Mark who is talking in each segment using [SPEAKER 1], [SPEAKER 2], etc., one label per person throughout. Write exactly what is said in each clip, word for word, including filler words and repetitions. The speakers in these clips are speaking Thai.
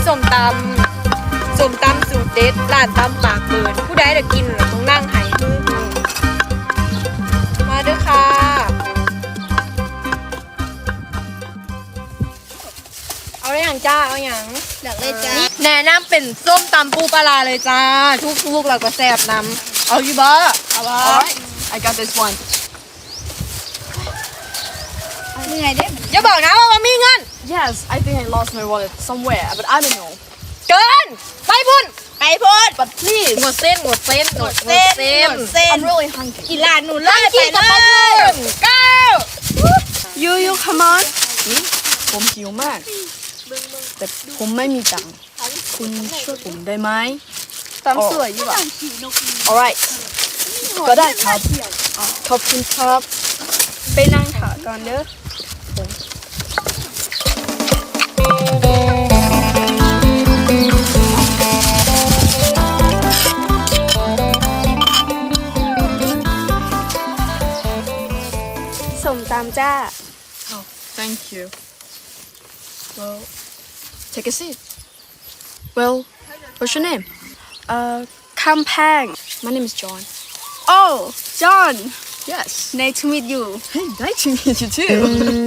[SPEAKER 1] ส้มตำส้มตำสูตรเด็ดร้านตำปากเปิดผู้ใดจะกินต้องนั่งหายมือมาเด้อค่ะเอาอย่างจ้าเอาอย่าง
[SPEAKER 2] อยากเลยจ้า
[SPEAKER 1] แนะนำเป็นส้มตำปูปลาเลยจ้าทุกๆเราก็แซ่บน้ำเอาอยู่บ่เอาบ่
[SPEAKER 3] I got this one
[SPEAKER 2] เหนื่อยเด้
[SPEAKER 1] อย่าบอกนะว่ามีเงิน
[SPEAKER 3] Yes I think I lost my wallet somewhere but I don't know
[SPEAKER 1] เกินไปพุ่น
[SPEAKER 2] ไปพูด
[SPEAKER 3] but please
[SPEAKER 1] หมดเส้นหมดเส้นหมดเส้นหมดเส้น
[SPEAKER 3] I'm really hungry
[SPEAKER 2] กีฬาหนูเลยไปเลย
[SPEAKER 1] เก้า
[SPEAKER 3] You you come on ผมหิวมากแต่ผมไม่มีตังค์คุณช่วยผมได้ไหมตามสวยอยู่อ่ะ alright ก็ได้ครับขอบคุณครับไปนั่งถ่าก่อนเด้อ
[SPEAKER 2] ส่งตามจ้า
[SPEAKER 3] Oh thank you well take a seat well what's your name
[SPEAKER 2] uh คำแพง
[SPEAKER 3] my name is John
[SPEAKER 2] oh John
[SPEAKER 3] yes
[SPEAKER 2] nice to meet you
[SPEAKER 3] hey nice to meet you too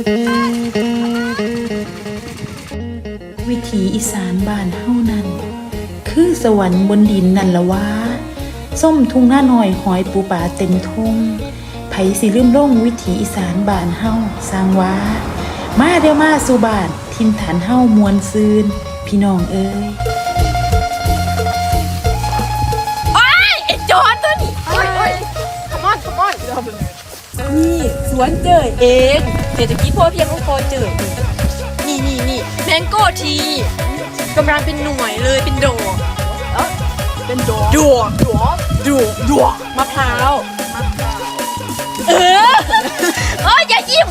[SPEAKER 4] วิถีอีสานบ้านเฮานั้นคือสวรรค์บนดินนั่นละวะส้มทุ่งหน้าหน่อยหอยปูป่าเต็มทุ่งไผสิลืมลงวิถีอีสานบ้านเฮาสร้างวามาเด้อมาสู่บ้านทินฐานเฮามวลซืนพี่น้องเอ้ย
[SPEAKER 1] จอนตัวนี้โอ้ยโอ้ย come on come on นี่สวนเจยเองเศรษฐกิจพอเพียงของพอเจยนี่นี่นี่แมงโก้ทีกำลังเป็นหน่วยเลยเป็นดอก
[SPEAKER 3] เป็นดอก
[SPEAKER 1] ดอกดอกดอกดอกมะพร้าวเออเอ้ยอย่ายิ้ม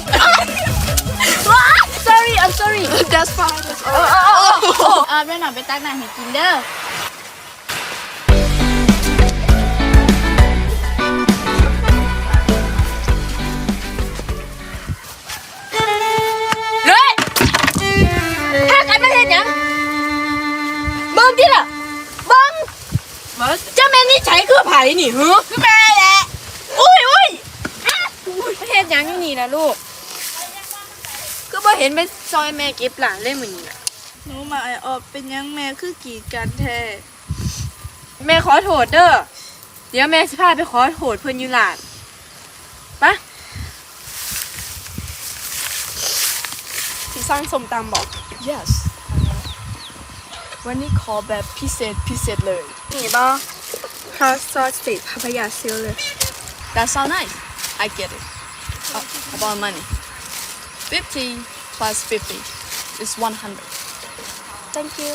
[SPEAKER 1] sorry I'm sorry
[SPEAKER 3] that's fine that's fine
[SPEAKER 2] เออเดี๋ยวหน่อยไปตักน้ำให้กินเด้อ
[SPEAKER 1] เฮ้ยถ้ากันไม่เห็นยังเบิ้งที่ล่ะเบิ้งเจ้าแม่นี่ใช้คือไผ่นี่ฮึคือแม่แหละอุ้ยอุ้ยไม่เห็นยังอยู่นี่นะลูกก็บ่เห็นไปซอยแม่เก็บหลานเลยเหมือนนี่
[SPEAKER 2] หนูมาไอออกเป็นยังแม่คือกีดกันแท้
[SPEAKER 1] แม่ขอโทษเด้อเดี๋ยวแม่สิพาไปขอโทษเพิ่นอยู่หลานปะ
[SPEAKER 3] ที่สร้างส้มตำบอก yes วันนี้ขอแบบพิเศษพิเศษเลย
[SPEAKER 2] นี่บ่ฮอตซอสติดพาพยาซิลเลย
[SPEAKER 3] that sound nice I get it oh, about money fifty plus fifty is one hundred
[SPEAKER 2] thank you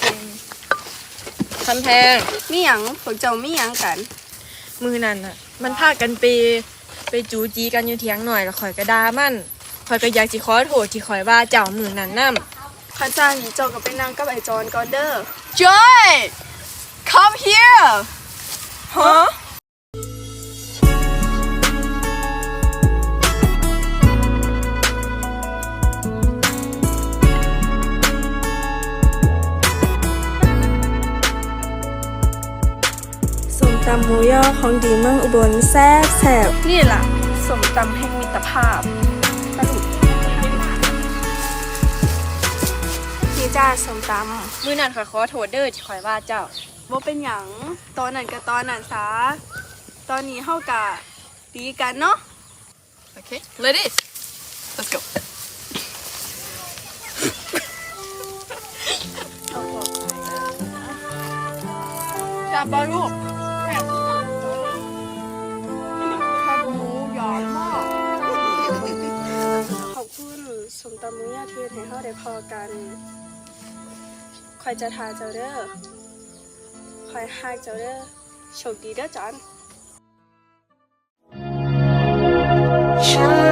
[SPEAKER 1] คำแพง
[SPEAKER 2] มีหยังพวกเจ้ามีหยังกัน
[SPEAKER 1] มือนั่นน่ะมันพากันไปไปจูจีกันอยู่เถียงหน่อยแล้วข่อยก็ด่ามันข่อยก็อยากสิขอโทษที่ข่อยว่าเจ้ามือนั่นนำ
[SPEAKER 2] ข้าจ้างเจ้าก็ไปนั่งกับไอจอนก่อนเด้อ
[SPEAKER 3] Joy come here
[SPEAKER 1] ฮะ
[SPEAKER 2] ส้มตำหมูย่อของดีเมืองอุบลแซ่บแซ่บนี่ล่ะส้มตำแห่งมิตรภาพปะดุนี่จ้าส้มตำ
[SPEAKER 1] มือนั่นข่อยขอโทษเด้อที่ข่อยว่าเจ้า
[SPEAKER 2] บ่เป็นหยังตอนนั้นก็ตอนนั้นซะตอนนี้เฮากะดีกันเนาะ
[SPEAKER 3] okay ladies let's go
[SPEAKER 1] จับบ่ลูก
[SPEAKER 3] แคบหมูใหญ่มาก
[SPEAKER 2] ขอบคุณส้มตำหมูย่าที่เฮ็ดให้เฮาได้พอกันคอยจะทาเจ้าเด้อคอยฮักเจ้าเด้อโชคดีเด้อจอน